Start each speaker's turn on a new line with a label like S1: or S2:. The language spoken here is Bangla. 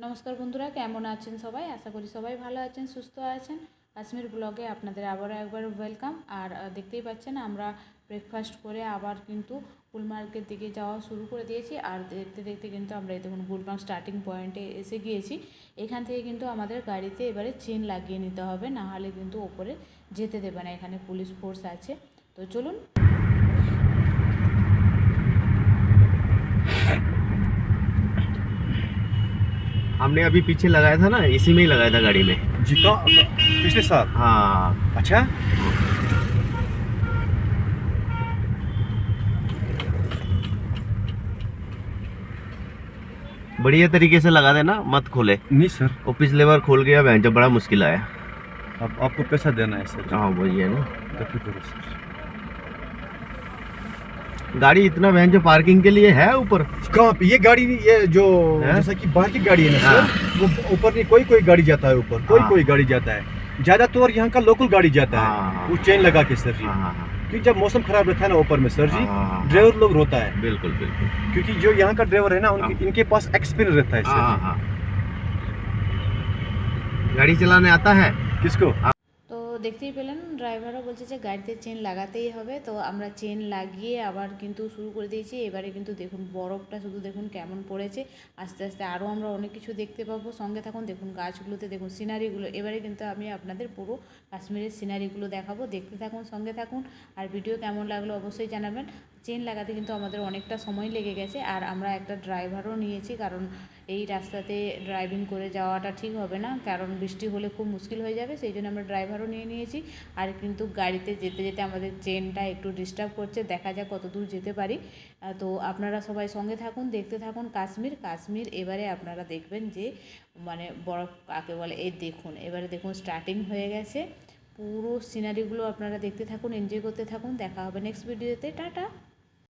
S1: নমস্কার বন্ধুরা, কেমন আছেন সবাই? আশা করি সবাই ভালো আছেন, সুস্থ আছেন। কাশ্মীর ব্লগে আপনাদের আবারও একবার ওয়েলকাম। আর দেখতেই পাচ্ছেন আমরা ব্রেকফাস্ট করে আবার কিন্তু গুলমার্গের দিকে যাওয়া শুরু করে দিয়েছি। আর দেখতে দেখতে কিন্তু আমরা এই দেখুন গুলমার্গ স্টার্টিং পয়েন্টে এসে গিয়েছি। এখান থেকে কিন্তু আমাদের গাড়িতে এবারে চেন লাগিয়ে নিতে হবে, না হলে কিন্তু ওপরে যেতে দেবে না। এখানে পুলিশ ফোর্স আছে। তো চলুন।
S2: हमने अभी पीछे लगाया था ना, इसी में ही लगाया था गाड़ी में।
S3: जी का पिछले साल।
S2: हाँ,
S3: अच्छा।
S2: बढ़िया तरीके से लगा देना, मत खोले।
S3: नहीं सर,
S2: वो पिछले बार खोल गया, बहन जब बड़ा मुश्किल आया।
S3: अब आपको पैसा देना है सर।
S2: हाँ वही है ना,
S3: गलती करो सर।
S2: गाड़ी इतना बहन जो पार्किंग के लिए है ऊपर।
S3: कहाँ पे ये गाड़ी ये जो
S2: है?
S3: जैसा कि बाहर की गाड़ी है ना
S2: हाँ।
S3: सर, वो ऊपर नहीं, कोई गाड़ी जाता है ऊपर,
S2: हाँ।
S3: कोई गाड़ी जाता है। ज्यादातर यहाँ का लोकल गाड़ी जाता
S2: हाँ,
S3: है
S2: हाँ।
S3: वो चेन लगा के सर जी।
S2: हाँ हाँ हाँ,
S3: क्योंकि जब मौसम खराब रहता है ना ऊपर में सर जी,
S2: हाँ, हाँ।
S3: ड्राइवर लोग रोता है,
S2: बिल्कुल बिल्कुल।
S3: क्योंकि जो यहाँ का ड्राइवर है ना इनके पास एक्सपीरियंस रहता है
S2: हाँ
S3: सर
S2: हाँ
S3: जी।
S2: हाँ। गाड़ी चलाने आता है
S3: किसको?
S1: তো দেখতেই পেলেন ড্রাইভারও বলছে যে গাড়িতে চেন লাগাতেই হবে। তো আমরা চেন লাগিয়ে আবার কিন্তু শুরু করে দিয়েছি। এবারে কিন্তু দেখুন বরফটা শুধু দেখুন কেমন পড়েছে। আস্তে আস্তে আরও আমরা অনেক কিছু দেখতে পাবো। সঙ্গে থাকুন, দেখুন গাছগুলোতে দেখুন সিনারিগুলো। এবারে কিন্তু আমি আপনাদের পুরো কাশ্মীরের সিনারিগুলো দেখাবো, দেখতে থাকুন, সঙ্গে থাকুন। আর ভিডিও কেমন লাগলো অবশ্যই জানাবেন। চেন লাগাতে কিন্তু আমাদের অনেকটা সময় লেগে গেছে। আর আমরা একটা ড্রাইভারও নিয়েছি, কারণ এই রাস্তাতে ড্রাইভিং করে যাওয়াটা ঠিক হবে না, কারণ বৃষ্টি হলে খুব মুশকিল হয়ে যাবে। সেই জন্য আমরা ড্রাইভারও নিয়ে নিয়েছি। আর কিন্তু গাড়িতে যেতে যেতে আমাদের চেনটা একটু ডিস্টার্ব করছে, দেখা যাক কত দূর যেতে পারি। তো আপনারা সবাই সঙ্গে থাকুন, দেখতে থাকুন। কাশ্মীর এবারে আপনারা দেখবেন যে মানে বরফ কাকে বলে। এই দেখুন, এবারে দেখুন স্টার্টিং হয়ে গেছে। পুরো সিনারিগুলো আপনারা দেখতে থাকুন, এনজয় করতে থাকুন। দেখা হবে নেক্সট ভিডিওতে। টাটা।